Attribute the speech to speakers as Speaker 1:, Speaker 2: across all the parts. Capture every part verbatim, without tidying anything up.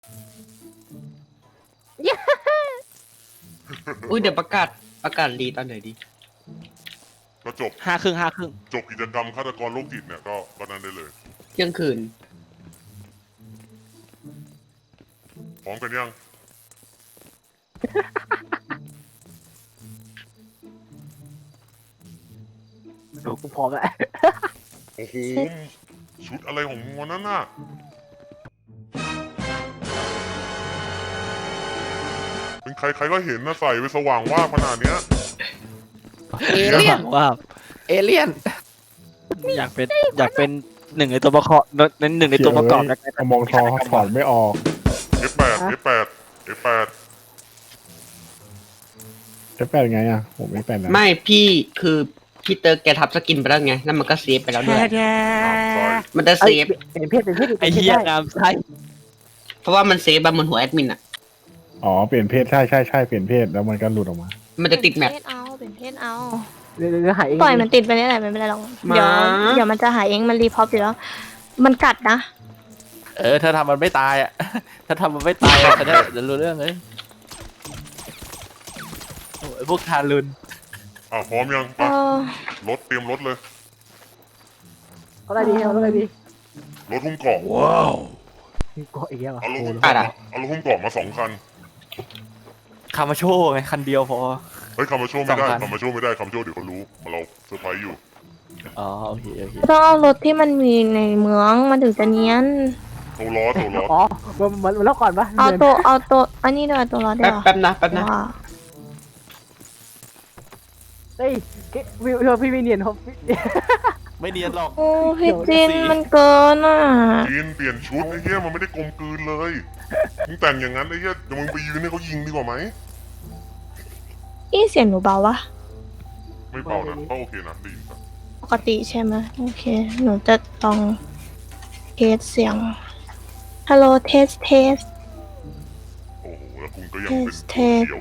Speaker 1: อุ้ยเดี๋ยวประกาศประกาศรีตอนไหนดี
Speaker 2: ก็จบ
Speaker 3: ห้าครึ่งห้าครึ่ง
Speaker 2: จบกิจกรรมฆาตกรโรคจิตเนี่ยก็ก็นั้นได้เลย
Speaker 1: เที่ยงคืน
Speaker 2: พร้อมกันยัง
Speaker 4: โอ้กูพร้อมแล้ว
Speaker 2: โอ้โหชุดอะไรของมึงวันนั้นน่ะเป็นใครใครก็เห็นนะใส่ไปสว่างว่าขนาดเนี้ย
Speaker 4: เอเลี่ยน
Speaker 3: ว่า
Speaker 4: เอเลี่ยน
Speaker 3: อยากเป็นอยากเป็นหนึ่งในตัวประกอบในหนึ่งในตัวประกอบแล้ว
Speaker 5: เอามองทองถอดไม่ออก
Speaker 2: เอฟ แปด เอฟ แปด เอฟ แปด
Speaker 5: เอฟแปดไงอ่ะผมไม่เป็นนะ
Speaker 1: ไม่พี่คือพี่เตอร์แกทับสกินไปแล้วไงแล้วมันก็เซฟไปแล้วด้วยมันจะเซฟ
Speaker 4: เป็นเพศเป็นเพศ
Speaker 3: ไอ้เหี้ยงามใช่
Speaker 1: เพราะว่ามันเซฟแบบบนหัวแอดมินอ่ะ
Speaker 5: อ๋อเปลี่ยนเพศใช่ใช่ใช่เปลี่ยนเพศแล้วมันก็หลุดออกมา
Speaker 1: มันจะติดแมป
Speaker 6: เพศเอาเป็นเพศเอา
Speaker 4: เดี๋ยวเดี๋ยวหายเอง
Speaker 6: ปล่อยมันติดไปได้แหละไม่เป็นไรหรอกเดี๋ยวเดี๋ยวมันจะหายเองมันรีพอปอยู่แล้วมันกัดนะ
Speaker 3: เออถ้าทำมันไม่ตายอ่ะถ้าทำมันไม่ตายอ่ะจะได้จะรู้เรื่องเลยโอ้ยพวกทารุณ
Speaker 2: อ่ะพร้อมยังไปรถเตรียมรถเลย
Speaker 4: เอาอะไรดีเอาอะไรดี
Speaker 2: รถหุ้มเกาะ
Speaker 3: ว้าว
Speaker 4: เกาะอีกแล้ว
Speaker 2: เอารถหุ้มเกาะเอารถหุ้มเกาะมาสองคัน
Speaker 3: คามาโชว์ไงคันเดียวพอ
Speaker 2: เฮ้ยคามาโชว์ไม่ได้คามาโชว์ไม่ได้คามาโชว์เดี๋ยวเขารู้เราเซอร์ไพรส์อยู่
Speaker 3: อ๋อโอเคโอเค
Speaker 6: ต้องเอารถที่มันมีในเมืองมันถึงจะเนียน
Speaker 2: โตล้อโตล้อ
Speaker 4: อ๋อมันมันมันแล้วก่อนปะ
Speaker 6: เอาตัวเอาตัวอันนี้ด้วยตัวล้อด้วย
Speaker 1: แป๊บนะแป๊บนะ
Speaker 4: เฮ้ยวิวพี่วิเนียนเขา
Speaker 3: ไม่เนียนหรอก
Speaker 6: โอ้พี่จินมันเกินอ่ะ
Speaker 2: จินเปลี่ยนชุดไอ้เหี้ยมันไม่ได้กลมกลืนเลยมึงแต่งอย่างนั้นไอ้เหี้ยเดี๋ยวมึงไปยืนให้เขายิงดีกว่าไหม
Speaker 6: อีเสียงหนูเบาวะ
Speaker 2: ไม่เบานะก็โอเคนะดีครับ
Speaker 6: ปกติใช่ไหมโอเคหนูจะลองเทสเสียงฮัลโหลเทสเทส
Speaker 2: โอ้โหแล้วคุณก็ยังเป็นเขียว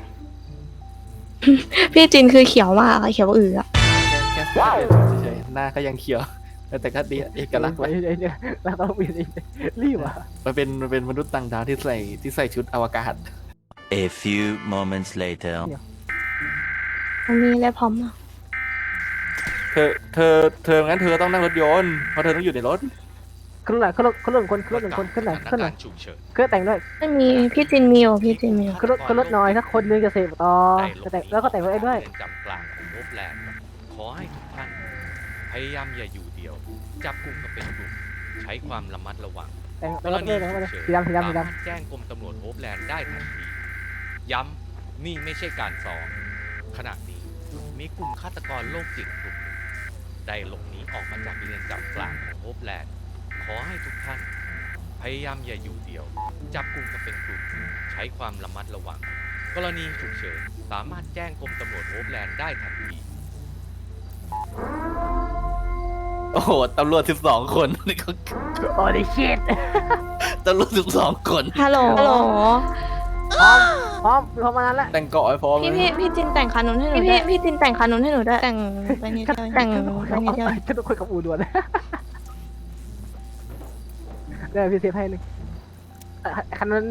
Speaker 6: พี่จินคือเขียวมากเขียวอืออะ
Speaker 3: แค่เฉยๆหน้าก็ยังเขียวแต่ก็ดีเอกลักษณ์ไว้
Speaker 4: แล้วต้องเปลี่ยนรีบอ่ะ
Speaker 3: มันเป็นมันเป็นมนุษย์ต่างดาวที่ใส่ที่ใส่ชุดอวกาศ
Speaker 7: A few moments later
Speaker 6: มันมีอะไรพร้อมอ่ะ
Speaker 3: เธอเธอเธองั้นเธอต้องนั่งรถยนต์เพราะเธอต้องอยู่ในรถ
Speaker 4: ขึ้นหน่อยขึ้นรถขึ้นรถคนขึ้นรถหนึ่งคนขึ้นหน่อยขึ้นหน่อยเครื่องแต่งด้วย
Speaker 6: ไม่มีพี่จินมีอยู่พี่จินมีอยู่
Speaker 4: ขึ้นรถขึ้นรถหน่อยถ้าคนนึงจะเสพต่อจะแต่งแล้วก็แต่งรถด้วย
Speaker 8: จำกลางของโอฟแลนด์ขอให้ทุกท่านพยายามอย่าอยู่เดียวจับกลุ่มกันเป็นกลุ่มใช้ความระมัดระวัง
Speaker 4: แต่งรถเลยนะสีดำสีดำสีดำ
Speaker 8: แจ้งกรมตำรวจโอฟแลนด์ได้ทันทีย้ำนี่ไม่ใช่การซ้อมขณะนี้มีกลุ่มฆาตกรโรคจิตกลุ่มได้หลบหนีออกมาจากเรือนจำกลางของโอฟแลนด์ขอให้ทุกท่านพยายามอย่าอยู่เดียวจับกลุ่มกันเป็นกลุ่มใช้ความระมัดระวังกรณีฉุกเฉินสามารถแจ้งกรมตำรวจโอฟแลนด์ได้ทันที
Speaker 3: โอ้โหตำรวจสิบสองคนนี่เขา
Speaker 4: โอ้ดิชิต
Speaker 3: ตำรวจสิบสองคน
Speaker 6: ฮัลโหลฮัลโหล
Speaker 4: พร้อมพร้อมพร้อมมานั้นแล้ว
Speaker 3: แต่งเกาะให้พร้อม
Speaker 6: พี่พี่พี่จินแต่งคานุนให้หนูพี่พี่จินแต่งคานุนให้หนูด้วยแต่งไปนิดเดียวแต่งไปนิดเดียว
Speaker 4: จะต้องคุยกับอูด่วนเดี๋ยวพี่เซฟให้หนึ่งคันนั้น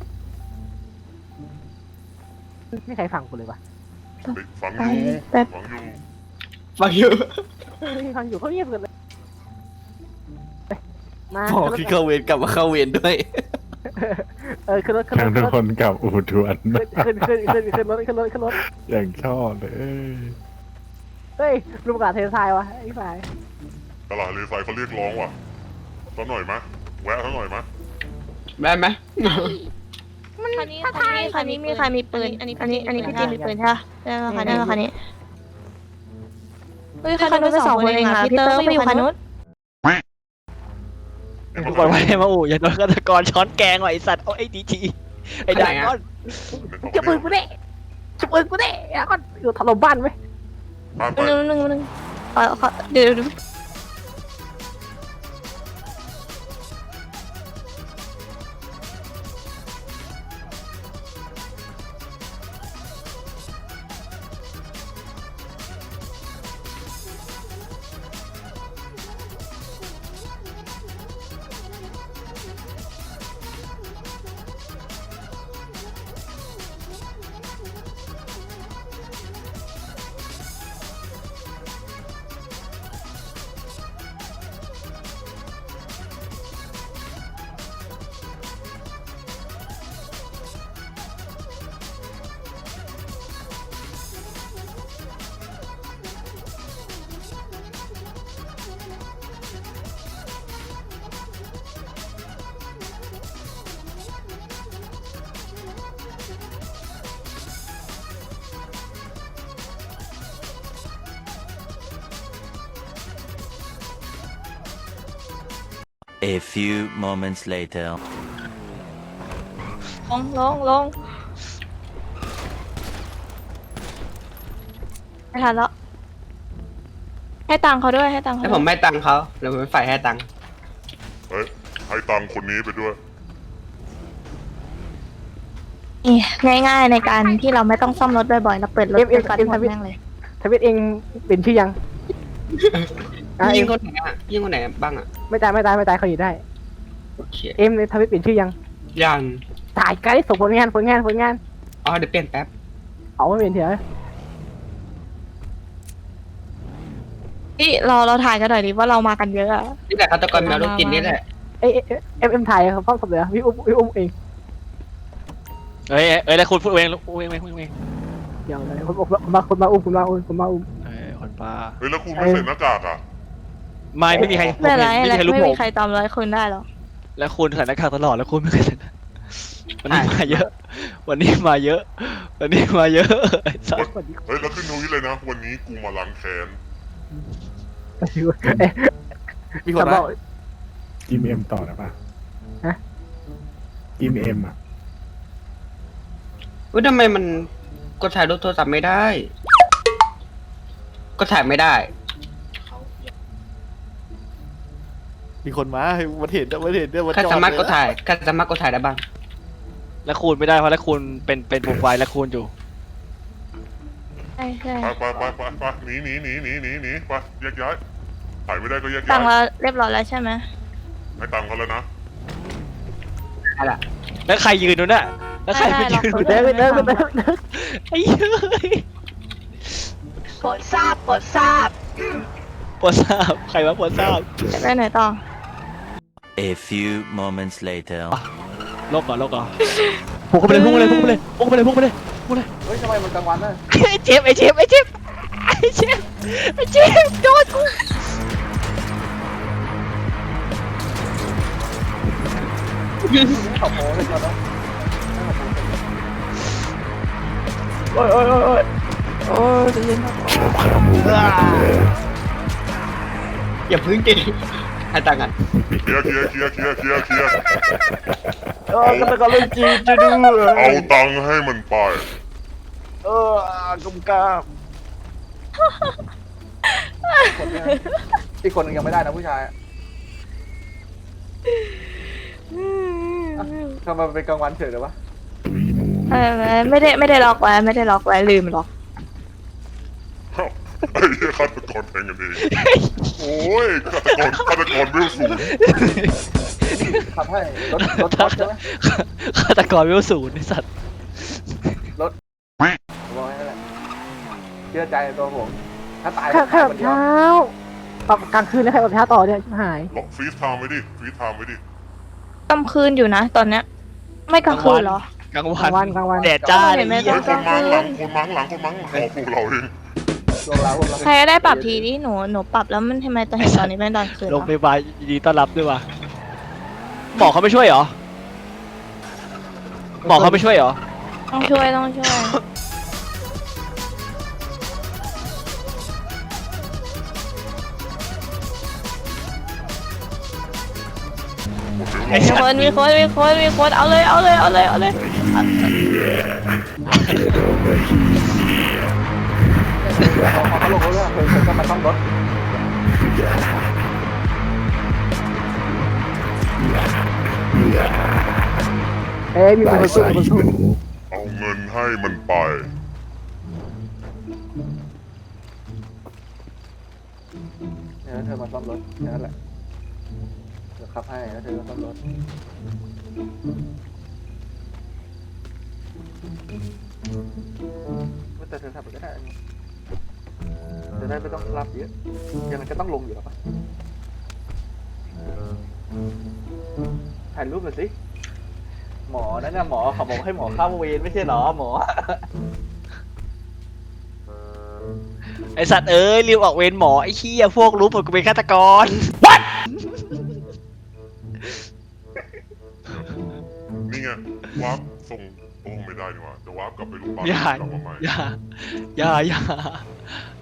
Speaker 4: ไม่ใครฟังกูเลยวะ
Speaker 2: ฟังอยู่
Speaker 1: ฟังอยู่
Speaker 4: ฟังอยู่ฟังอยู่เขาเงียบกันเลย
Speaker 3: มาพอที่เข้าเวรกลับมาเข้าเวรด้วย
Speaker 4: เออขึ้นรถขึ้นรถ
Speaker 5: ทุกคนกับอูดวน
Speaker 4: ขึ้นขึ้นขึ้นขึ้นรถขึ้นรถขึ้นรถ
Speaker 5: อย่างชอบเลย
Speaker 4: เฮ้ยรูปกาเททรายวะไอ้ฝ่าย
Speaker 2: ตลาดเลทรายเขาเรียกร้องว่ะสักหน่อยมะแวะสักหน่อยมะ
Speaker 1: ได้ไหม
Speaker 6: มันคันนี้คันนี้คันนี้มีใครมีปืนอันนี้อันนี้อันนี้พี่จินมีปืนใช่ไหมได้ไหมคันนี้คันนี้เฮ้ยคันนู้นไปสองคนเองค่ะพี่เตอร์ก็อยู่คันนู้น
Speaker 3: กูบอกว่าให้มาอู่อย่าโดนฆาตกรช้อนแกงว่ะไอสัตว์เอาไอ้ดีจีไอ้ด่างก้อน
Speaker 4: จะปืนกูเด้จะปืนกูเด้อ่ะก็อยู่ถล่มบ้านไหม
Speaker 6: หนึ่งหนึ่งหนึ่งเดี๋ยวดู
Speaker 7: A few moments later.
Speaker 6: ลงลงลงไม่ทันแล้วให้ตังค์เขาด้วยให้ตังค์เขา
Speaker 1: แล้ว
Speaker 6: ด้
Speaker 1: ผ
Speaker 6: วย
Speaker 1: มไม่ตังค์เขาแล้วผมไม่ฝ่ายให้ตังค์
Speaker 2: เฮ้ยให้ตังค์คนนี้ไปด้วย
Speaker 6: นี่ง่ายๆในการที่เราไม่ต้องซ่อมรถบ่อยๆเราเปิดรถ
Speaker 4: เอ็มเอ็ม
Speaker 6: ไปก่อน
Speaker 4: เอ็ม
Speaker 6: หมด
Speaker 4: ทวิต
Speaker 6: แม่งเลย
Speaker 4: ทวิตเองเป็นชื่อยังอ่ะ
Speaker 1: ยิ
Speaker 4: เอ็
Speaker 1: ง
Speaker 4: ม
Speaker 1: คนไหนอ่ะยิงคนไหนบ้างอ่ะ
Speaker 4: ไม่ตายไม่ตายไม่ตายเขาอยู่ได้
Speaker 1: โอเค
Speaker 4: เอ็มในทวิตเป็นชื่อยัง
Speaker 1: ยัง
Speaker 4: ตายการได้ส่งผลงานผลงานผลงาน
Speaker 1: อ๋อเดี๋ยวเปลี่ยนแป๊บ
Speaker 4: เอาไม่เป็นเถอะ
Speaker 6: นี่เราเราถ่ายกันหน่อยดิว่าเรามากันเยอะอะ
Speaker 1: นี่แหละฆาตกรแมวลูกจินนี่แหละ
Speaker 4: เอ้ยเอ็มเอ็มเอ็มถ่ายเขาฟ้องกับเหลือพี่อุ้มพี่อุ้มเอง
Speaker 3: เอ้ยเอ้ยแล้วคุณพูดเองพูดเองพูดเอง
Speaker 4: เดี๋ยวเลยคนคนมาคนมาอุ้มคนมาอุ้มคนมาอุ้ม
Speaker 3: เอ้ยคนป้า
Speaker 2: เฮ้ยแล้วคุณไม่ใส่หน้ากากอ่ะ
Speaker 3: ไม่ไม่มีใครผม
Speaker 6: ไม่
Speaker 3: เห็น
Speaker 6: ไร
Speaker 3: ไม่
Speaker 6: อะไร
Speaker 3: มีใครรู้
Speaker 6: ไม่
Speaker 3: ผ
Speaker 6: มี
Speaker 3: ม
Speaker 6: ใครตามร้อยคนได้หรอก
Speaker 3: แล้วคุณใส่หน้ากากตลอดแล้วคุณไม่เคยใส่หน้าวันนี้มาเยอะ วันนี้มาเยอะ วันนี้มาเยอะไอ้สัส
Speaker 2: เฮ้ยแล้วขึ้นทวีตเลยนะ วันนี้กูมาล้างแค้น
Speaker 3: มีคน
Speaker 4: บ
Speaker 3: มา
Speaker 4: อก
Speaker 5: อิมเอ็มต่อได้ปะ
Speaker 4: ฮะ
Speaker 5: อิมเอ็มอ่ะ
Speaker 1: อุ้ยทำไมมันกดถ่ายรูปโทรศัพท์ไม่ได้ก็ถ่ายไม่ได้
Speaker 9: มีคนมามันเห็นมันเห็นเนี่ยมัน
Speaker 1: ใคร
Speaker 9: จอด
Speaker 1: สามารถกด
Speaker 9: เลยนะ
Speaker 1: ถ่ายใครสามารถกดถ่ายได้บ้าง
Speaker 3: แล้วคุณไม่ได้เพราะแล้วคุณเป็นเป็นโปรไฟล์แล้วคุณอยู่
Speaker 6: ใช่ใช่
Speaker 2: ไปไปไปไปไปหนีหนีหนีหนีหนีหนีไปแยกย้ายถ่ายไม่ได้ก็แยก
Speaker 6: ตั
Speaker 2: ย้าง
Speaker 6: ค์
Speaker 2: ย
Speaker 6: เราเรียบร้อยแล้วใช่ไหม
Speaker 2: ให้ตังค์เขาแล้วนะ
Speaker 1: อะไร
Speaker 3: แล้วใครยืนอยู่น่ะแล้วใครไปยืนอยู่
Speaker 4: เดินไปเดินไปเดิน
Speaker 3: ไอ้เฮ้ย
Speaker 6: ปวดทราบปวดทราบ
Speaker 3: ปวดทราบใครวะปวดทราบ
Speaker 6: จะไปไหนต่อ
Speaker 7: A few moments later.
Speaker 3: โลกก่อนโลกก่อนพุ่งเข้าไปเลยพุ่งไปเลยพุ่งไปเลยพุ่งไปเลยพุ่งไปเลยพุ่งไปเลย
Speaker 9: เฮ้ยทำไมมันกลางวันน่ะ
Speaker 3: ไอ้เจ็บไอ้เจ็บไอ้เจ็บไอ้เจ็บไอ้เจ็บโดนกู
Speaker 9: ขอบโมเลยก่อนนะ
Speaker 4: โอ้ยโอ้ยโอ้ยโอ้ยโอ้ยจะเย็น
Speaker 1: อย่าพึ่งดิให้ตังค์กัน
Speaker 2: เคลียร์เคลียร์เคลียร์เคลียร์เคลียร์เคลียร์
Speaker 9: เออกันตะกอนเล่นจีนจะดู
Speaker 2: เอาตังค์ให้มันไป
Speaker 9: เออกลมกล้ามคนเนี่ยอีกคนหนึงยังไม่ได้นะผู้ชายอะอ่ะทำไมมันเป็นกลางวันเฉยเลยวะ
Speaker 6: เออไม่ได้ไม่ได้ล็อกไว้ไม่ได้ล็อกไว้ลืมล็อก
Speaker 2: เอ้าไอ้เหี้ยฆาตกรแทงกันเองโอ้ยฆาตกรฆาตกรเวลสูง
Speaker 9: ขับให้รถรถรถใช่ไหม
Speaker 3: ฆาตกรวิวศูนย์ไอ้สัตว์
Speaker 9: บอกให้นั่นแหละเชื่อใจในตัวผม ถ้าตาย
Speaker 4: แค่แค่
Speaker 9: ตาย
Speaker 4: แบ
Speaker 9: คน
Speaker 4: บ
Speaker 9: เดียว
Speaker 4: เช้าปรับกลางคืนแล้วใครแบบเช้าต่อเนี่ยหาย
Speaker 2: บอกฟรีสไทม์ไว้ดิฟรีสไทม์ไว้ดิ
Speaker 6: กลางคืนอยู่นะตอนเนี้ย ไม่กลางคืนเหรอ
Speaker 3: กลาง
Speaker 4: ก
Speaker 3: วั
Speaker 4: ลางวัน
Speaker 3: น
Speaker 4: กลางวัน
Speaker 3: แดดจ้า
Speaker 6: เห็นไหม
Speaker 3: เลย
Speaker 2: เฮ้ยคนมังหลังคนมังหลังคนมังหลังของพวกเราเอง
Speaker 9: ช่วงเราพวกเรา
Speaker 6: ใครก็ได้ปรับทีที่หนูหนูปรับแล้วมันทำไมตอนเห็นตอนนี้เป็นตอนคืน
Speaker 3: โรง
Speaker 6: วะ
Speaker 3: พยาบาลยินดีต้อนรับด้วยว่ะหมอเขาไม่ช่วยเหรอหมอเขาไม่ช่วยเหรอ
Speaker 6: ต้องช่วยต้องช่วย
Speaker 3: ไอ้
Speaker 6: มี
Speaker 3: สัต
Speaker 6: คน
Speaker 3: ว์
Speaker 6: มีคนมีคนมีคนเอาเลยเอาเลยเอาเลยเอาเลย
Speaker 9: พอเขาลงรถแล้วเพิ่งก็มาซ่อมรถ
Speaker 4: เอ้ยมีคนสู้คนสู้
Speaker 2: เอาเงินให้มันไป
Speaker 9: เนี่ยแล้วเธอมาซ่อมรถแค่นั้นแหละเดี๋ยวขับให้แล้วเธอมาซ่อมรถแต่เธอทำไปก็ได้อันนี้จะได้ไม่ต้องรับเยอะยังไงก็ต้องลงอยู่แล้วปะถ่ายรูปหน่อยสิหมอนั่นน่ะหมอเขาบอกให้หมอเข้าเวรไม่ใช่เหรอหมอ
Speaker 3: ไอสัตว์เอ้ยรีบออกเวรหมอไอ้เหี้ยพวกรู้ผลกูเป็นฆาตกร
Speaker 2: นี่ไงวาร์ปส่งโอ้ไม่ได้นี่หว่าจะวาร์ปกลับไปโรงพยาบาล
Speaker 3: อย่าก
Speaker 2: ลับมาใหม่
Speaker 3: อย่าอย่าอย่า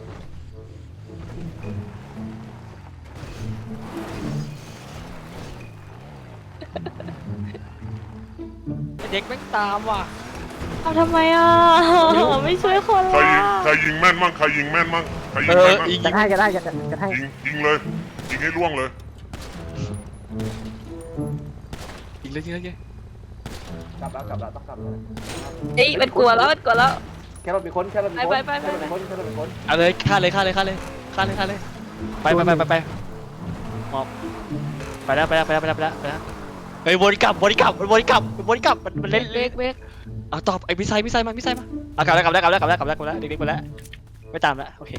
Speaker 2: เ
Speaker 3: เด็กแม่งตามว่ะ
Speaker 6: เอาทำไมอ่ะ ไม่ช่วยคน
Speaker 2: ใคร
Speaker 6: ละ
Speaker 2: ยิงใครยิงแม่นมั่งใครยิงแม่นมั่งใครยิ
Speaker 3: เอง อ
Speaker 2: แม่นมั่ง
Speaker 3: อีก
Speaker 4: จะให้จะได้จะจะให้
Speaker 2: ยิงยิงเลยยิงให้ล่วงเลย
Speaker 3: อีกเลยอีกเลยอีกเลย
Speaker 9: กลับแล้วกลับแล้วต้องกลับแล้ว
Speaker 6: เฮ้ยมันกลัวแล้วมันกลัวแล้ว
Speaker 9: แค่เราเป็นคนแค่เราเป็นคน
Speaker 6: ไปไปไป
Speaker 9: แค่เราเป็นคนแค่เราเป็นคน
Speaker 3: เอาเลยฆ่าเลยฆ่าเลยฆ่าเลยฆ่าเลยฆ่าเลยไปไปไปไปไปหมอบไปแล้วไปแล้วไปแล้วไปแล้วไปแล้วไปแล้วเฮ้ยวนกลับวนกลับมันวนกลับมันวนกลับมันมันเล่น
Speaker 6: เบรกเบรก
Speaker 3: เอาตอบไอ้มิไซมิไซมามิไซมาเอากลับแล้วกลับแล้วกลับแล้วกลับแล้วกลับแล้วกลับแล้วเด็กๆไปแล้วไม่ตามแล้วโอเค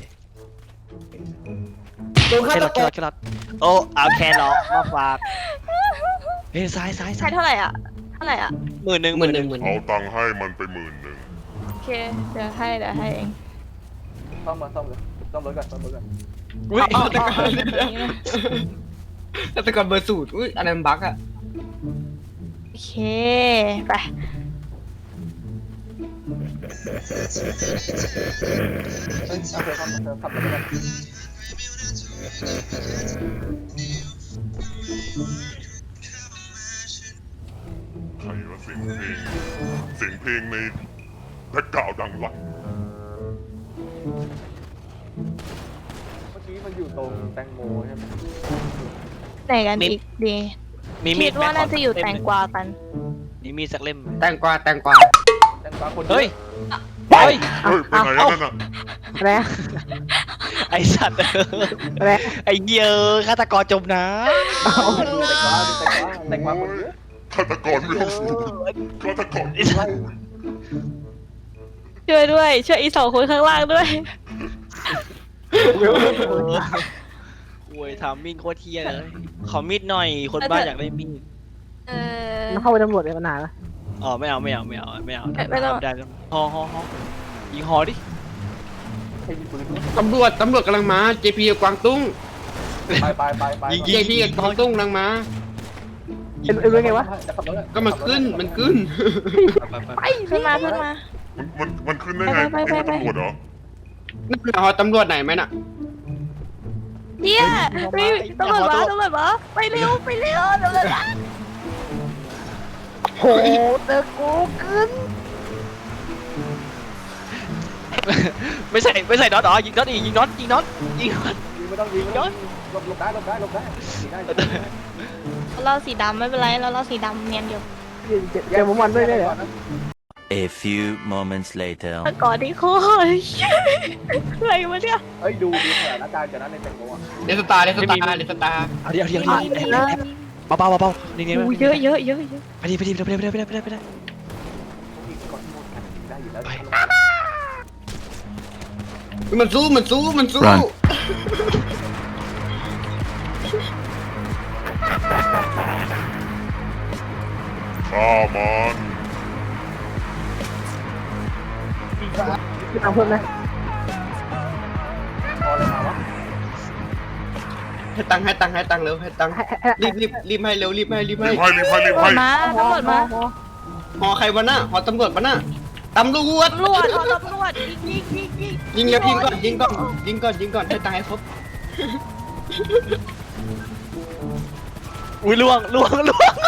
Speaker 1: ตัว
Speaker 3: แค
Speaker 1: ฆาร ต
Speaker 3: อทแค
Speaker 1: ก
Speaker 3: รอ
Speaker 1: ร
Speaker 3: ทแครอทโอ้เอาแครอทมาฝากเฮ้ยซ้ายซ้าย
Speaker 6: ใช้
Speaker 3: ซ้าย
Speaker 6: เท่าไหร่อ่ะเท่าไหร่อ่ะ
Speaker 3: หมื่นหนึ่ง
Speaker 1: หมื่นหนึ่งหมื่น
Speaker 2: เอาตังค์ให้มันไปหมื่นหนึ่ง
Speaker 6: โอเคเดี๋ยวให้เดี๋ยวให้เอง
Speaker 9: ซ่อมมาซ่อมเลยซ่อมรถก่อนซ่อมรถก่อน
Speaker 3: อุ้ย
Speaker 1: เอาแต่ก่อนแต่ก่อนเบอร์สูตรอุ้ยอะไรมันบั๊กอะ
Speaker 6: โอเคไป
Speaker 9: เฮ้ยเอาเธอซ่อมเธอขับรถก่อน
Speaker 2: ใครว่าเสียงเพลงเสียงเพลงในแบ็คกราวด์ดังลั่น
Speaker 9: เมื่อกี้มันอยู่ตรงแตงโมใช่ไหม
Speaker 6: ไหนกันอีกดี
Speaker 3: มีมี
Speaker 6: คิ
Speaker 3: ด
Speaker 6: ดว่าน่าจะอยู่แตงกวากัน
Speaker 3: มีมีดสักเล่ม
Speaker 1: แตงกวาแตงกวา
Speaker 9: แตงกวาคน
Speaker 3: เฮ้ย
Speaker 9: เฮ้
Speaker 3: เฮ้
Speaker 9: ย
Speaker 3: ย
Speaker 2: เฮ้ยไปไหนแล้วนั่นน่ะ
Speaker 4: อะไรนะ
Speaker 3: ไอสัตว์
Speaker 4: อะไร
Speaker 3: ไอเหี้ยอะฆาตกรจมน้
Speaker 9: แตงกวาแตงกวาแตงกวาคนเยอะ
Speaker 2: ฆาตกรไม่ต้องสู้ฆาตกร
Speaker 3: ำไอสัตว์
Speaker 6: ช่วยด้วยช่วยอีสองคนข้างล่างด้วย
Speaker 3: โอ้ยทำมิ่งโคตรเทียเลยขอมีดหน่อยคนบ้าอยากได้มีด
Speaker 6: เออ
Speaker 4: มันเข้าไปตำรวจเลยมานานแล้ว
Speaker 3: อ๋อไม่เอาไม่เอาไม่เอาไม่เอา
Speaker 6: ไม่ไม่ต้อง
Speaker 3: ได้แล้วฮอฮอฮอยิงฮอดิ
Speaker 9: ให้มีปืนด้วย
Speaker 1: ตำรวจตำรวจกำลังมา เจ พี กับกวางตุ้ง
Speaker 9: ไปไปไปไป
Speaker 3: ยิง
Speaker 1: เจ พี กับกวางตุ้งกำลังมา
Speaker 4: เอ็นเอ็นเป็นไงวะ
Speaker 9: จะขับรถอะ
Speaker 1: ก็มันขึ้นมันขึ้น
Speaker 3: ไปไป
Speaker 6: ไปขึ้นมาขึ้นมา
Speaker 2: มันมันขึ้นได้ไง
Speaker 6: ไป
Speaker 2: ไอ้
Speaker 6: ไปไป
Speaker 2: ตำรวจเหรอ
Speaker 1: นั่นเป็นหอตำรวจไหนไหมน่ะ
Speaker 6: เฮียรีบตำรวจมาตำรวจมาไปเร็วไปเร็วตำรวจมา
Speaker 4: โหเจอกูขึ้น
Speaker 3: ไม่ใส่ไม่ใส่น็อตอ๋อยิงน็อตอีกยิงน็อตยิงน็อตยิงน็อต
Speaker 9: ยิงไม่ต้องยิงไม่ต้องยิงหลบหลบได้หลบได้หลบได้ยิงได้ยิงได้
Speaker 6: เราสีดำไม่เป็นไรเราเราสีดำเนียนอยู่
Speaker 4: เจอเจอผมวันด้วยได้เหรอ
Speaker 7: A few moments later.
Speaker 6: ก่อนที่โคตรอะไรวะเนี่ย
Speaker 9: เอ้ยดูดูสถานการณ์จากนั้นในแตงโมอ่ะ
Speaker 1: เดสตาร์เดสตาร์เดสตาร์
Speaker 3: เอาเดี๋ยวเดี๋ยวเดี๋ยวเดี๋ยวเบาเบาเบานี่นี่
Speaker 6: เยอะเยอะเยอะเยอะ
Speaker 3: ไปดิไปดิไปดิไปดิไปดิไปดิไปดิ
Speaker 9: ยิงก่อนหมดกันยิงได้อยู่แล้ว
Speaker 1: มันสู้มันสู้มันสู้
Speaker 7: Run
Speaker 2: ฆ่ามัน
Speaker 4: ตามเพื่อนนะ
Speaker 9: พออะไรมาวะ
Speaker 1: ให้ตังค์ให้ตังค์ให้ตังค์เร็วให้ตังค์
Speaker 4: ให้ให้
Speaker 1: รีบรีบรีบให้เร็วรีบให้รีบให้
Speaker 2: รีบให้รีบให้รีบ
Speaker 6: ตำรว
Speaker 2: ให้
Speaker 6: จมาตำรวจมา
Speaker 1: หอใครวะน่ะหอตำรวจวะน่ะตำรวจ
Speaker 6: ตำรวจเอาตำรวจยิงยิงยิงยิง
Speaker 1: ยิงแล้วยิงก่อนยิงก่อนยิงก่อนยิงก่อนให้ตังค์ให้ครบ
Speaker 3: อุ้ยล่วงล่วงล่วง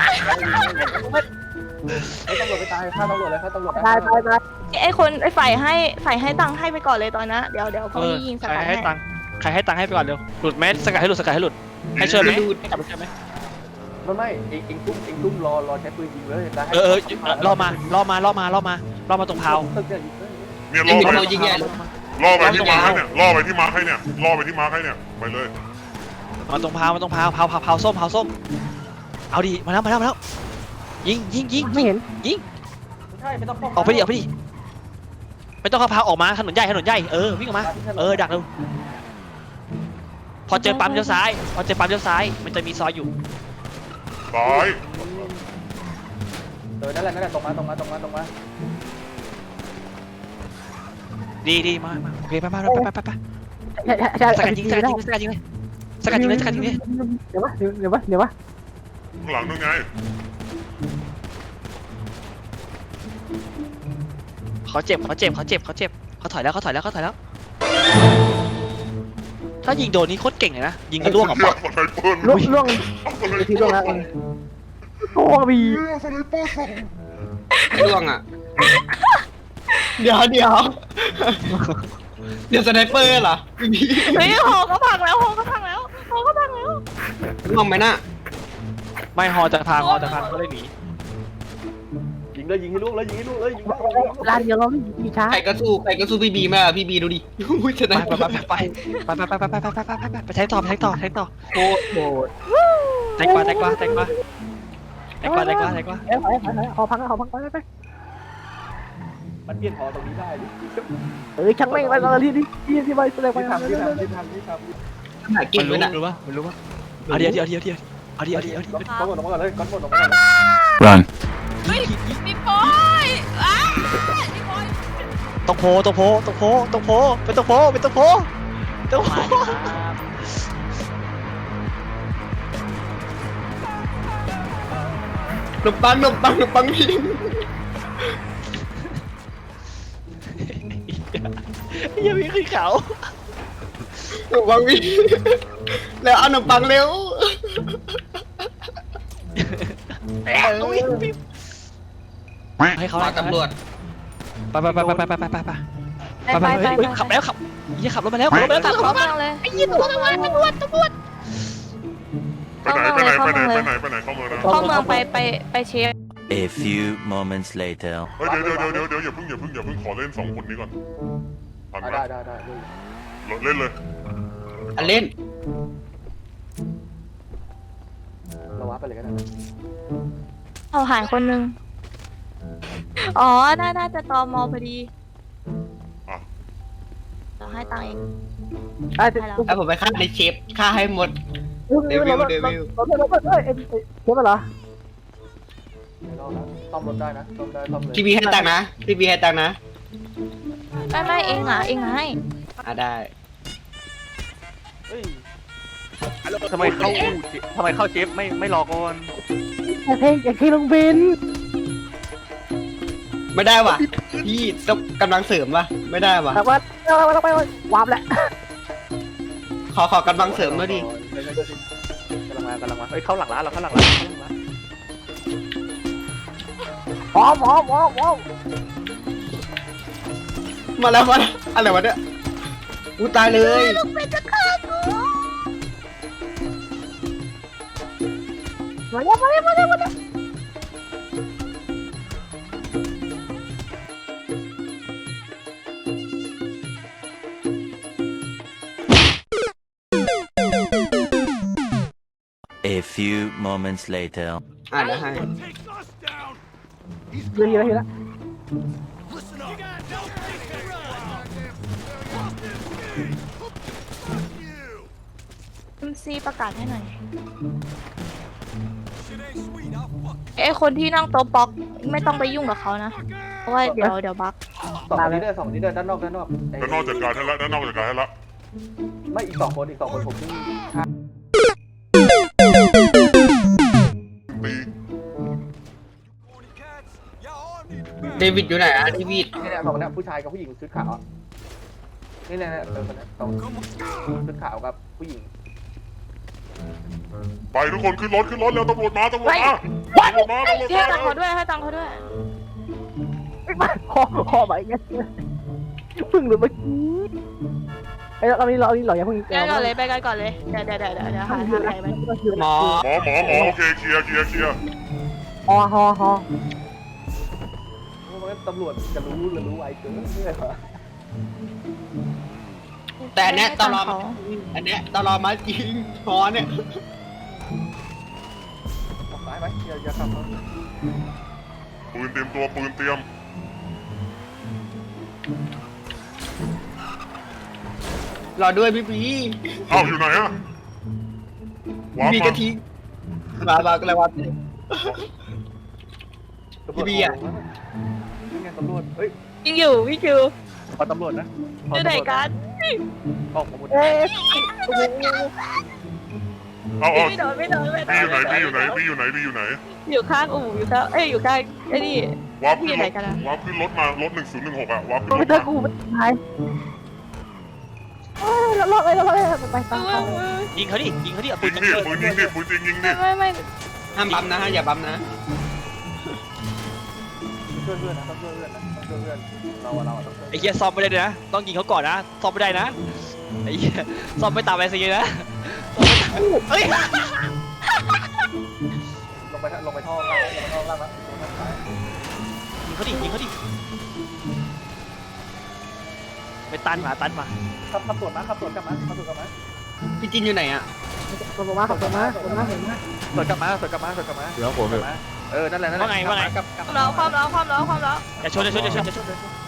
Speaker 9: ไอ้ตำรวจไปตายฆ่าตำรวจเลยฆ่าตำรวจ
Speaker 4: ตายตายตาย
Speaker 6: ไอคนไอฝ่ายให้ฝ่ายให้ตังค์ให้ไปก่อนเลยตอนนะเดี๋ยวเดี๋ยวพ
Speaker 3: เอ
Speaker 6: อ
Speaker 3: อ
Speaker 6: ยิงส
Speaker 3: ใคร
Speaker 6: กัด
Speaker 3: ให้
Speaker 6: ให้
Speaker 3: ตังค์ใครให้ตังค์ให้ไปก่อนเร็วหลุดไหมสกัดให้หลุดสกัดให้หลุดให้ช่วยไหมให้กลับมาช่วยไหม
Speaker 9: ไม่ไม่เองเองตุ้มเองตุ้มรอรอใช้ปืนยิงเลยได้
Speaker 3: เออเออล่อมาล่อมาล่อมาล่อมาล่อมาตรงเพา
Speaker 9: ตึกเนี่ยยิงเลย
Speaker 2: เนี่ย
Speaker 1: ยิ
Speaker 2: ล่
Speaker 1: ง
Speaker 2: อ
Speaker 1: เดี๋ยว
Speaker 2: ไป
Speaker 1: เรายิงใหญ่เลย
Speaker 2: ล่อไปที่มาร์คให้เนี่ยล่อไปที่มาร์คให้เนี่ยล่อไปที่มาร์คให้เนี่ยไปเลย
Speaker 3: มาตรงเพามาตรงเพาเพาเพาเพาส้มเพาส้มเอาดิมาแล้วมาแล้วมาแล้วยิงยิงยิง
Speaker 4: ไม่เห็น
Speaker 3: ยิง
Speaker 9: ไม่ใช่ไม่ต้อง
Speaker 3: ออกไปดิออกไปดิไม่ต้องเข้าเพาออกมาถนนใหญ่ถนนใหญ่เออวิ่งออกมาเออดักเร็วพอเจอปั๊มเลี้ยวซ้ายพอเจอปั๊มเลี้ยวซ้ายมันจะมีซอยอยู่
Speaker 2: ซ้าย
Speaker 9: เออนั่นแหละนั่นแหละตรงมาตรงมาตรงมาตรงมา
Speaker 3: ดีดีมามาโอเคไปไปไปไปไปไป
Speaker 4: ใช่ใช่
Speaker 3: สกัดยิงสกัดยิงสกัดยิงเลยสกัดยิงเลยสกัดยิงเลย
Speaker 4: เดี๋ยววะเดี๋ยววะเดี๋ยววะ
Speaker 2: ข้างหลังนู่นไง
Speaker 3: เขาเจ็บเขาเจ็บเขาเจ็บเขาเจ็บเขาถอยแล้วเขาถอยแล้วเขาถอยแล้วถ้ายิงโดนนี่โคตรเก่งเลยนะยิงกระล่วงออก
Speaker 2: เชื
Speaker 3: มา
Speaker 2: อกสไนเปอร์
Speaker 4: ล่วงล่วง
Speaker 2: เอาสไน
Speaker 4: ที
Speaker 2: เป
Speaker 4: ล่
Speaker 2: อ
Speaker 4: วง
Speaker 2: ร์
Speaker 4: แล้ว
Speaker 2: เข้า
Speaker 4: โอ้บี
Speaker 2: เรือสไนเปอร์สอง
Speaker 1: ร่วงอ่ะ เดี๋ยวเดี๋ยวเดี๋ยวสไนเปอร์เหรอพี่
Speaker 6: เฮ้ยหอเขาพังแล้วหอเขาพังแล้วหอเขาพังแล้ว
Speaker 1: ร่วงไหมน่ะ
Speaker 3: ไม่ฮอจะพังฮอจะพังก็เลยหนี
Speaker 9: ยิงเลยยิงให้ลูกเลยยิงให้ลูกเลยยิงให้ลูก
Speaker 4: ร้านเดียวเรามีช้า
Speaker 1: ใครก็สู้ใครก็สู้พี่บีไม่อะพี่บีดูดิอุ้ยสไน
Speaker 3: ไป
Speaker 1: เปอร์
Speaker 3: ไปไปไปไปไปไปไปไปไปไปไปไปใช้ต่อใช้ต่อใช้ต่อ
Speaker 1: โคตรโหด
Speaker 3: แตงกวาแตงกวาแตงกวาแตงกวาแตงกวาแตงกวา
Speaker 4: เอ้ยเอ้ยเอ้ยขอพังขอพังไปไป
Speaker 9: มันเปลี่ยนหอตรงนี้ได้ดิ
Speaker 4: เอ้ยช่างแม่งไปเลยที่ที่ที่ที่ไปแสดงไป
Speaker 9: ที่ทำที่ทำที่ทำที่ทำ
Speaker 1: หาเก่
Speaker 3: มั
Speaker 1: ง
Speaker 3: น
Speaker 1: ด้
Speaker 3: รู้
Speaker 1: วยนะ
Speaker 3: รู้ปะมันรู้ปะเอาเดี๋ยวเดี๋ยวเดี๋ยวเดี๋ยวเอาเดี๋ยวเดี๋ยวเดี๋ยว
Speaker 9: ก้อนหมดลงมาก่อนเลยก้อนหมดลงมาก่อนเลย
Speaker 7: Run.
Speaker 6: พี่ปอยอ้าพี่ปอย
Speaker 3: ตกโพตกโพตกโพตกโพเป็นตกโพเป็นตกโพตกโพ
Speaker 1: หนมปังหนมปังหนมปังพี่
Speaker 3: ยังมีขึ้นเขา
Speaker 1: หนมปังพี่แล้วเอาหนมปังเร็ว
Speaker 3: ให้เขา
Speaker 1: มาตำรวจ
Speaker 3: ไปไปไปไปไปไปไปไปไป
Speaker 6: ไปไปไป
Speaker 3: ขับแล้วขับยี่ขับรถมาแล้วขับรถมาแล้ว
Speaker 6: ขับเข้าเมืองเลยไอ้ยี่ตำรวจตำรวจตำรวจตำรวจ
Speaker 2: ไปไหนไปไหนไปไหนไปไหนไปไหนเข้าเมืองนะ
Speaker 6: เข้าเมืองไปไปไปเช็ค
Speaker 7: A few moments later.
Speaker 2: เฮ้ยเดี๋ยวเดี๋ยวเดี๋ยวเดี๋ยวอย่าเพิ่งอย่าเพิ่งอย่าเพิ่งขอเล่นสองคนนี้ก่อนทันไหม
Speaker 9: ได้ได้ได้
Speaker 2: เล่นเลย
Speaker 1: อันเล่น
Speaker 9: เราวัดไปเลยก็ได้
Speaker 6: เอาหายคนนึงอ๋อน่าน่าจะตอมอพอดีเราให้ตังค์เอง
Speaker 4: ไอ้เด็ก
Speaker 1: แล้วผมไปฆ่าในเชฟฆ่าให้หมด
Speaker 4: เดวิลเดวิลเราเราเราเอ้ยเอ้ยเชื่อไหมล่ะ
Speaker 9: ไม่รอดนะซ่อมรถได้นะซ่อมได้ซ่อมเลย
Speaker 1: พี่บีให้ตังค์นะพี่บีให้ตังค์นะ
Speaker 6: ไม่ไม่เองอ่ะเองให้
Speaker 1: อ่ะได้
Speaker 9: เฮ้ย
Speaker 3: ทำไมเข้าทำไมเข้าเจฟไม่ไม่รอก่อน
Speaker 4: อย่าเทอย่าเทลงบิน
Speaker 1: ไม่ได้ว่ะพี่ต้องกำลังเสริมว่ะไม่ได้ว่ะ
Speaker 4: แต่ว่าเราเราเราไปวาร์ปแหละ
Speaker 1: ขอขอกำลังเสริมด้วยดิ
Speaker 9: กำลังมากำลังมาเฮ้ยเข้าหลังร้านเราเข้าหลังร้านเข้าหลังร้าน
Speaker 4: พร้อมพร้อมพร้อมพร้อม
Speaker 1: มาแล้วมาแล้วอะไรวะเนี่ยกูตายเลย
Speaker 6: ลูกเป็ดจะฆ่ากู
Speaker 4: มาแล้วมาแล้วมาแล้วมาแล้ว
Speaker 7: A few moments later.
Speaker 1: อ่ะเดี๋ยวให้
Speaker 4: เฮียเฮียเฮีย
Speaker 6: เอ็มซีประกาศให้หน่อยไอ้คนที่นั่งโต๊ะป๊อกไม่ต้องไปยุ่งกับเขานะเพราะว่าเดี๋ยวเดี๋ยวบั๊ก
Speaker 9: สองนี้เดินสองนี้เดินด้านนอกด้านนอก
Speaker 2: ด้านนอกจัดการให้ละด้านนอกจัดการให้ละ
Speaker 9: ไม่อีกสองคนอีกสองคนผมที่
Speaker 2: ตี
Speaker 1: เดวิดอยู่ไหนอ่ะเดวิด
Speaker 9: นี่แหละสองคนนี้ผู้ชายกับผู้หญิงชุดขาวนี่แหละเออคนนี้สองชุดขาวกับผู้หญิง
Speaker 2: ไปทุกคนขึ้นรถขึ้นรถเร็วตำรวจมาตำรวจมาตำรวจมาตำรวจ
Speaker 6: ให้
Speaker 2: มา
Speaker 6: ตังค์เขาด้วยให้ตังค์เขาด้วย
Speaker 4: คอคอไปงั้นพึ่งหรือเมื่อกี้ไอ้เรานี้เรานี้เราอย่าพึ่ง
Speaker 6: ไปกันก่อนเลยไปกันก่อนเลยเดี๋ยวเดี๋ยวเดี๋ยวเดี๋ยวเดี๋ยวหาทางไหนไป
Speaker 1: หมอ
Speaker 2: หมอหมอหมอโอเคเคลียร์เคลียร์เคลียร์
Speaker 4: ฮอฮอฮอ
Speaker 9: ตำรวจจะรู้หรือรู้ไวเกินนี่เลยเหรอ
Speaker 1: แต่อันเนี้ยตลอดอันเนี้ยตลอดมาจริงหมอเนี่ย
Speaker 9: ออกซ้ายไปอย่าอย่าขับ
Speaker 2: ปืนเตรียมตัวปืนเตรียม
Speaker 1: รอด้วยพี่บี
Speaker 2: อ้าวอยู่ไหนอะว้า
Speaker 1: พี่บี
Speaker 2: มา
Speaker 1: ก็ทิ้งมามาก็เลยว่า พี่บีอะ
Speaker 9: นี่ไงตำรวจเฮ้ย
Speaker 6: วิ่งอยู่วิ่งอยู่
Speaker 9: ขอตำรวจนะ
Speaker 6: อยู่ไหนกัน
Speaker 9: ออกมาหมด
Speaker 4: เอ๊ะ
Speaker 2: เอาเอา
Speaker 6: ไม่โดนไม่โดนไม่โด
Speaker 2: พี่อยู่
Speaker 6: น
Speaker 2: ไหนพี่อยู่ไหนพี่อยู่ไหนพี่อยู่ไหน
Speaker 6: อยู่ข้างอู่อยู่ข้างเอ้ยอยู่ข้างไอ้นี่
Speaker 2: วาร์ป
Speaker 6: พี่อยู่
Speaker 2: ขึ้น
Speaker 6: ไห
Speaker 2: ร
Speaker 6: น
Speaker 2: ถ
Speaker 6: กันอะ
Speaker 2: วาร์ปขึ้นรถมารถหนึ่งศูนย์หนึ่งหกอะวาร์ปขึ้นร
Speaker 4: ไม่
Speaker 2: ถ
Speaker 4: เจอ
Speaker 2: มา
Speaker 4: กูมันตายเราเราเราเราไปไปไป
Speaker 6: เออเออ
Speaker 3: ยิงเขาดิยิงเขาดิเอาปื
Speaker 2: ยิ
Speaker 3: น
Speaker 2: ง
Speaker 3: ยิง
Speaker 2: ดิปืนยิงดิปืนจริงยิงดิ
Speaker 6: ไม่ไม่ไม่
Speaker 1: ห้ามบัมนะฮะอย่าบัมนะ
Speaker 9: ช่วยเพื่อนนะต้องช่วยเพื่อนนะต้องช่วยเพื่อนเราอะเราอะต้องช่วย
Speaker 3: ไอ้เหี้ยซ่อมไม่ได้ด้วยนะต้องยิงเขาก่อนนะซ่อมไม่ได้นะไอ้เหี้ยซ่อมไม่ตามไอซีนะเฮ้ย
Speaker 9: ลงไปลงไปท่อล่างลงไปท่อล่างนะลงทางซ้าย
Speaker 3: ยิงเขาดิยิงเขาดิไปตันมาตันมา
Speaker 9: ขับขับสวนมาขับสวนกลับมาขับสวนกลับมา
Speaker 1: พี่จินอยู่ไหนอ่ะ
Speaker 4: ขอบคุณมากขอบคุณมากขอบคุณมากเห็นไหม
Speaker 9: สวนกลับมาสวนกลับมาสวนกลับมา
Speaker 5: เดี๋ยวผม
Speaker 9: กลับมาเออนั่นแหละนั่นแหละ
Speaker 3: ว่าไงว่าไง
Speaker 9: กลับกลับ
Speaker 6: ความร้อนความร้อนความร้อนความร้อน
Speaker 3: อย่าชนอย่าชนอย่าชนอย่าชน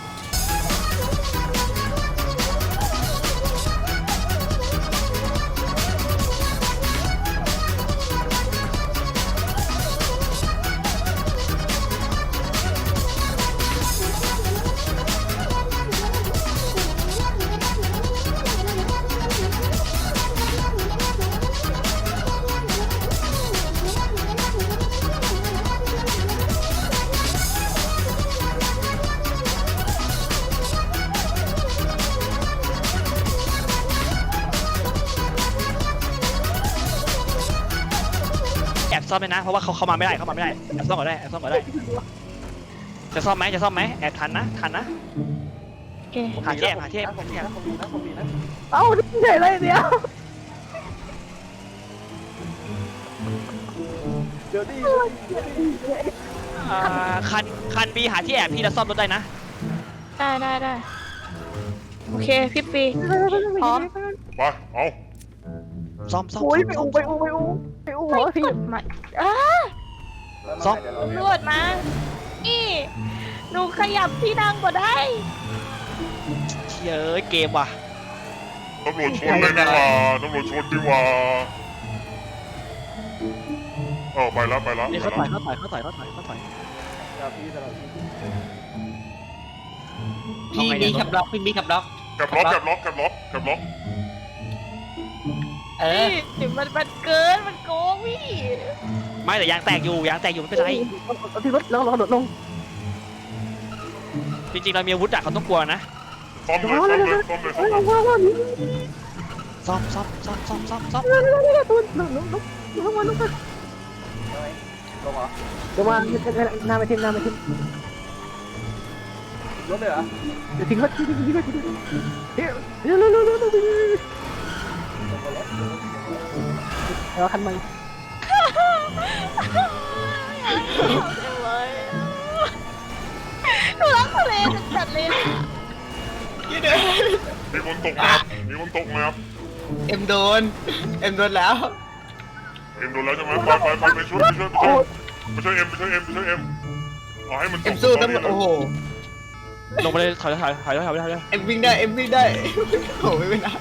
Speaker 3: แอบซ่อมเลยนะเพราะว่าเขาเข้ามาไม่ได้เข้ามาไม่ได้แอบซ่อมก่อนได้แอบซ่อมก่อนได้จะซ่อมไหมจะซ่อมไหมแอบทันนะทันนะ
Speaker 6: โอเค
Speaker 3: หาที่แอบหาที่แอบ
Speaker 9: ผมมีนะผมมีนะผมมีนะ
Speaker 4: เอ้าเฉยเลยเดียว
Speaker 9: เดี๋ยวดิ
Speaker 3: อ่าคันคันบีหาที่แอบพี่แล้วซ่อมรถได้นะ
Speaker 6: ได้ได้ได้โอเคพี่ปีพร้อม
Speaker 2: ไปเอา
Speaker 3: ซ่อมซ่อม
Speaker 4: โอ้ย
Speaker 3: ซ่อม
Speaker 4: ไปอูไปอูไปอูไปอู
Speaker 6: ไป
Speaker 4: หัวพี่
Speaker 6: กดมาอ้า
Speaker 3: ซ่อม
Speaker 6: ตำรวจมานี่หนูขยับที่นั่งก็ได้
Speaker 3: เชี่ยเอ้ยเกมว่ะ
Speaker 2: ตำรวจชนเลยดีกว่าตำรวจชนดีกว่าเออไปแล้วไปแล้ว
Speaker 3: นี่
Speaker 2: ไป
Speaker 3: เขา
Speaker 2: แล้ว
Speaker 3: ต่อยเขาต่อยเขาต่อยเขาต่อยเขาต่อย
Speaker 9: เดี๋ยวพี่เดี๋ยวพี่
Speaker 1: พี่บีขับล็อกพี่บีขับล็อก
Speaker 2: แกบล็อกแกบล็อกแกบล็อกแกบล็อก
Speaker 1: เออ
Speaker 6: นี่มันมันเกินมันโกงพี่
Speaker 3: ไม่แต่ยางแตกอยู่ยางแตกอยู่ไม่เป็นไร
Speaker 4: เอาที่รถแล้วเราโดดลง
Speaker 3: จริงๆเรามีอาวุธอะเขาต้องกลัวนะ
Speaker 2: ซ่อมเลยซ่อมเลยซ่อมเลยซ่อมเลย
Speaker 4: ว้าวว้าว
Speaker 3: ซ่อมซ่อมซ่อมซ่อมซ่อมซ่อม
Speaker 4: ตัวลงลงลงลงมาลงมา
Speaker 9: ลงเหรอ
Speaker 4: เดี๋ยวมาหน้าไปทิ้งหน้าไปทิ้ง
Speaker 9: รถเลยเหรอ
Speaker 4: เดี๋ยวทิ้งเขาทิ้งทิ้งทิ้งทิ้งเดี๋ยวเดี๋ยวเร็วเร็วเร็วเร็วเราคันใหม่
Speaker 6: หนูรักทะเลจัดเลย
Speaker 1: ยี่เด้อ
Speaker 2: มีคนตกน้ำมีคนตกน้
Speaker 1: เอ็มโดนเอ็มโดนแล้ว
Speaker 2: ำเอ็มโดนแล้วใช่ไหมไปไปไปไปช่วยไปช่วยไปช่วยไปช่วยเอ็มไปช่วยเอ็มไปช่วยเอ็มเอาให้มันต
Speaker 1: เอ็
Speaker 2: ก
Speaker 1: มสู้ตำรวจโอ้โห
Speaker 3: ลงไปเลยถอยถอยถอยถอยถอยถอยถอย
Speaker 1: เอ็มวิ่งได้เอ็มวิ่งได้โอ้โหไม่เป็นไร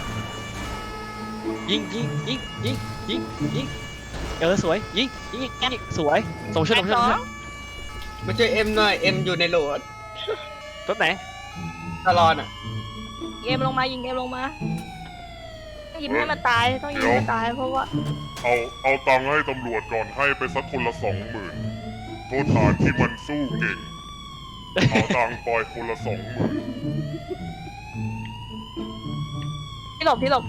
Speaker 3: ยิงยิงยิงยิงยิงยิงเออสวยยิงยิงยิงยิงสวยส่งช่วยส่งช่วยส่งช่วย
Speaker 1: มาช่วยเอ็มหน่อยเอ็มอยู่ในโหลด
Speaker 3: รถไหน
Speaker 1: ตลอดอ่ะ
Speaker 6: เกมลงมายิงเกมลงมายิงให้มันตายต้องยิงให้มันตายเพราะว่า
Speaker 2: เอาเอาตังค์ให้ตำรวจก่อนให้ไปสักคนละสองหมื่นโทษฐานที่มันสู้เก่งเอาตังค์ปล่อยคนละสองหมื่น
Speaker 6: พี่หลบพี่หลบ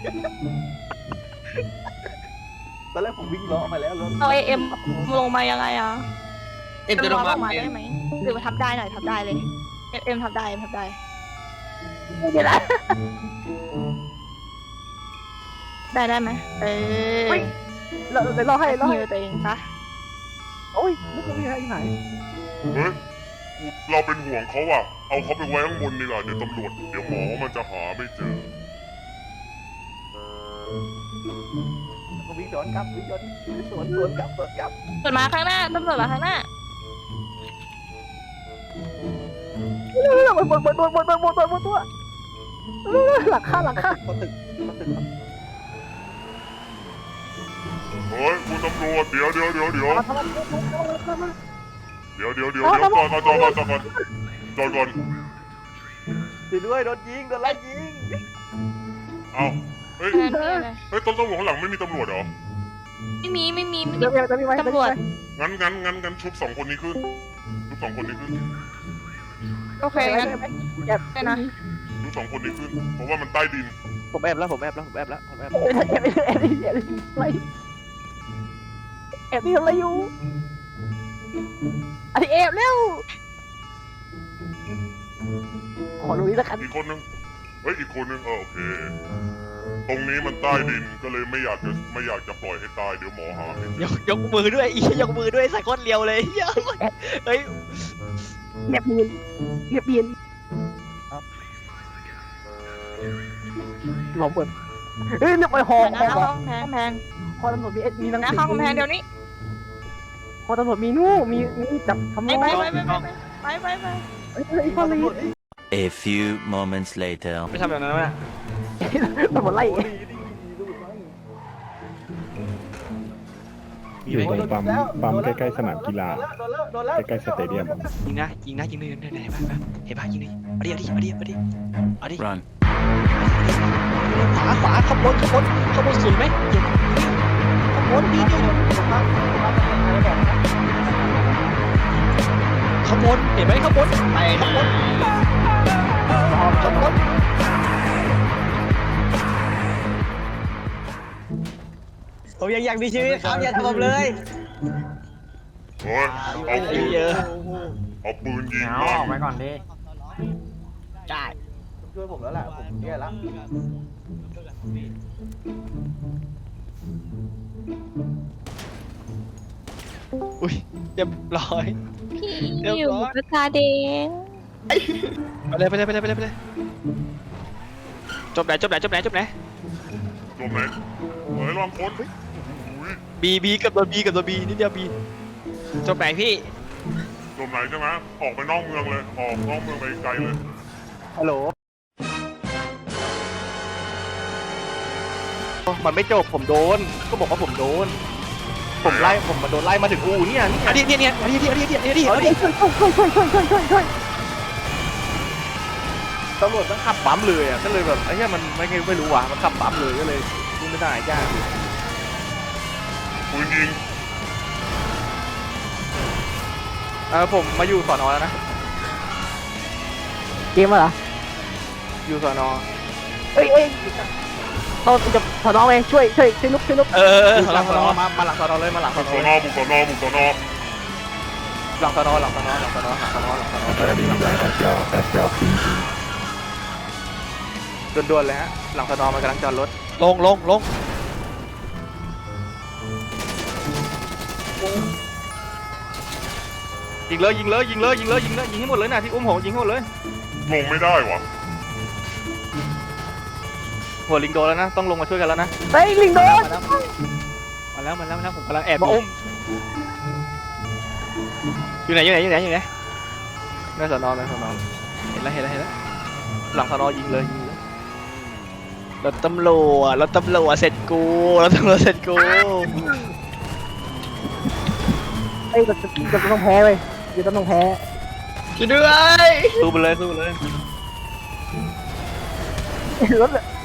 Speaker 9: ตอนแรกผมวิ่งล้อมาแล้วรถ
Speaker 6: เอาไอเอ็มลงมายังไงอ่ะ
Speaker 1: เอ็มจะลงมา
Speaker 6: ลงมาได้ไหมหรือว่าทับได้หน่อยทับได้เลยเอ็มเอ็มทับได้เอ็มทับได้
Speaker 4: เดี๋ยวนะ
Speaker 6: ได้ได้ไหมเออ
Speaker 4: เราเดี๋ยวเราให้เรา
Speaker 6: ฮิ
Speaker 4: ให้
Speaker 6: วตัวเองซะ
Speaker 4: โอ้ยไม่ต้องมีอะไรหาย
Speaker 2: เฮ้ยเราเป็นห่วงเขาอ่ะเอาเขาไปไว้ข้างบนดีกว่าเดี๋ยวตำรวจเดี๋ยวหมอมันจะหาไม่เจอ
Speaker 9: ผมวิ่งสวนกลับวิ่งสวนสวนสวนกลับสวนกลับ
Speaker 6: ตำรวจมาข้างหน้าตำรวจมาข้างหน้า
Speaker 4: เร็วเร็วบนบนบนบนบนบนบนบนตัวหลังข้าหลังข้า
Speaker 9: เขาตึกเขาตึก
Speaker 2: เฮ้ยคุณตำรวจเดี๋ยวเดี๋ยวเดี๋ยวเดี๋ยว
Speaker 4: ทำไมทำไม
Speaker 2: เดี๋ยวเดี๋ยวเดี๋ยวเดี๋ยวก่อนก่อนจอดก่อนจอดก่อนจอดก่อน
Speaker 9: ช่วยด้วยโดนยิงโดนไล่ยิง
Speaker 2: เอาเฮ้ย
Speaker 6: เออนี่เลย
Speaker 2: เฮ้ยต้นตำรวจข้างหลังไม่มีตำรวจเหรอ
Speaker 6: ไม่มีไม่มีไม่มี
Speaker 4: เดี๋ยวจะมีไหม
Speaker 6: ตำรวจ
Speaker 2: งั้นงั้นงั้นงั้นชุบสองคนนี้ขึ้นชุบสองคนนี้ขึ้น
Speaker 6: โอเคงั้น
Speaker 4: แอบ
Speaker 6: ได้นะ
Speaker 2: ชุบสองคนนี้ขึ้น เพราะว่ามันใต้ดิน
Speaker 9: ผมแอบแล้วผมแอบแล้วผมแอบแล้วผมแอบ
Speaker 4: แอบแอบแอบแอบไม่
Speaker 2: เ
Speaker 4: แอบนี่ทำอะไรอยู่อันนี้แอบเร็วขอตรงนี้แล้วกัน
Speaker 2: อีกคนนึงเฮ้ยอีกคนนึงเออโอเค ตรงนี้มันใต้ดินก็เลยไม่อยากจะไม่อยากจะปล่อยให้ตายเดี๋ยวหมอหาไม่เจ
Speaker 3: ย
Speaker 2: อก
Speaker 3: ยกมือด้วยอียกมือด้วยใส่ก้นเลียวเลยเหี้ยเฮ้ย
Speaker 4: เงียบเงียบเงียบเงียบหลอมเปิดเฮ้ยเรียบไปหอ
Speaker 6: ห
Speaker 4: หอ
Speaker 6: น้าห้องกำแพงกำแพง
Speaker 4: หอตำรวจมีเอ็ดมีหนัง
Speaker 6: หน้าห้องกำแพงเดี๋ยวนี้
Speaker 4: หอตำรวจมีนู่มีมีจับทำ
Speaker 6: ไป
Speaker 4: ร้าย
Speaker 6: ไปไปไปไปไปไป
Speaker 4: เฮ้ยไอ้พอลี
Speaker 7: A few moments later.
Speaker 3: ไม่ทำแบบนั้นนะ
Speaker 4: ตำรวจไล่
Speaker 5: อยู่ตรงปั๊มปั๊มใกล้ๆสนามกีฬา
Speaker 9: โดนแล้วโดนแล้ว
Speaker 5: ใกล้ๆสเตเดียม
Speaker 3: ยิงนะยิงนะยิงเลยไหนไหนบ้างเห็นป่ะยิงเลยเอาดิเอาดิเอาดิเอาดิ
Speaker 7: Run.
Speaker 3: ขวาขวาขบวนขบวนขบวนสุดไหมขบวนดีดีขบวนเห็นไหมขบวน
Speaker 1: ไปนะ
Speaker 3: ขบวน
Speaker 1: ผมยังอยากมีชีวิตครับอย่าทำผมเลย
Speaker 2: เฮ้ยเอาปืน
Speaker 3: เยอะ
Speaker 2: เอาปืนยิง
Speaker 1: เอา
Speaker 2: มั
Speaker 1: ออกไป
Speaker 2: น
Speaker 1: ก่อนดิได้
Speaker 9: ช่วยผมแล้วแหละผมแย่ละ
Speaker 3: อุ้ยเรียบร้อย
Speaker 6: พี่อยู่กระตาแดง
Speaker 3: ไปเลยไปเลยไปเลยไปเลยไปเลยจบไหนจบไหนจบไหนจบไหน
Speaker 2: จมไหนเฮ้ยลองคนอุ้ย
Speaker 3: บีบีกับตัวบีกับตัวบีนิดเดียวบีจบไหนพี่
Speaker 2: จมไหนใช่ไหมออกไปนอกเมืองเลย ออกนอกเมืองไปไกลเลย
Speaker 4: ฮัลโหล
Speaker 9: มันไม่จบผมโดนก็บอกว่าผมโดน ผมไล่ผมมาโดนไล่มาถึงอู่เนี่ยนี่
Speaker 3: อันนี้เนี่ยเนี่ยอันนี้อันนี้อันนี้อันนี้อันนี้
Speaker 4: ช่วยช่วยช่วยช่วยช่วยช่วยช่วยช่วย
Speaker 9: ตำรวจต้องขับปั๊มเลยอ่ะก็เลยแบบไอ้เนี้ยมันไม่ไม่รู้ว่ะมันขับปั๊มเลยก็เลยดูไม่ได้ยาก
Speaker 2: ปืนยิง
Speaker 9: เออผมมาอยู่สอนอแล้วนะ
Speaker 4: เกมเหรอ
Speaker 9: อยู่สอนอ
Speaker 4: เอ้ยเอ้ยเราจะถอดน้องไปช่วยช่วยช่วยลุกช่วยลุก
Speaker 3: เออ
Speaker 9: หลังสอนอมามาหลังสอนอเลยมาหลังส
Speaker 2: บุ
Speaker 9: อก น
Speaker 2: ส
Speaker 9: อ
Speaker 2: อน
Speaker 9: เล
Speaker 2: อย บุกสอนอบุกสอนอ
Speaker 9: หลังสอนอหลังสอนอหลังสอนอหลังสอนอหลังสอนอด่วนๆเลยฮะหลังสอนอมันกำลังจอดรถ
Speaker 3: ลงลงลง
Speaker 9: ยิงเลยยิงเลยยิงเลยยิงเลยยิงเลยยิงให้หมดเลยนะที่อุ้มโหยิงให้หมดเลย
Speaker 2: ลงไม่ได้วะ
Speaker 9: หัวลิงโดนแล้วนะต้องลงมาช่วยกันแล้วนะ
Speaker 4: เฮ้ยลิงโดน
Speaker 3: มาแล้วมาแล้วมาแล้วผมกำลังแอบมาอุ้มอยู่ไหนอยู่ไหนอยู่ไหนอยู่ไหน
Speaker 9: ในสอนอในสอนอ
Speaker 3: เห็นแล้วเห็นแล้วเห็นแล้ว
Speaker 9: หลังสอนอยิงเลยยิงเลย
Speaker 3: รถตำรวจรถตำรวจเสร็จกูรถตำรวจเสร็จกู
Speaker 4: เฮ้ยเราจะเราจะต้องแพ้เว้ยเราจะต้องแพ้
Speaker 1: ช่วยด้วย
Speaker 9: สู้ไปเลยสู้ไปเลย
Speaker 4: รถ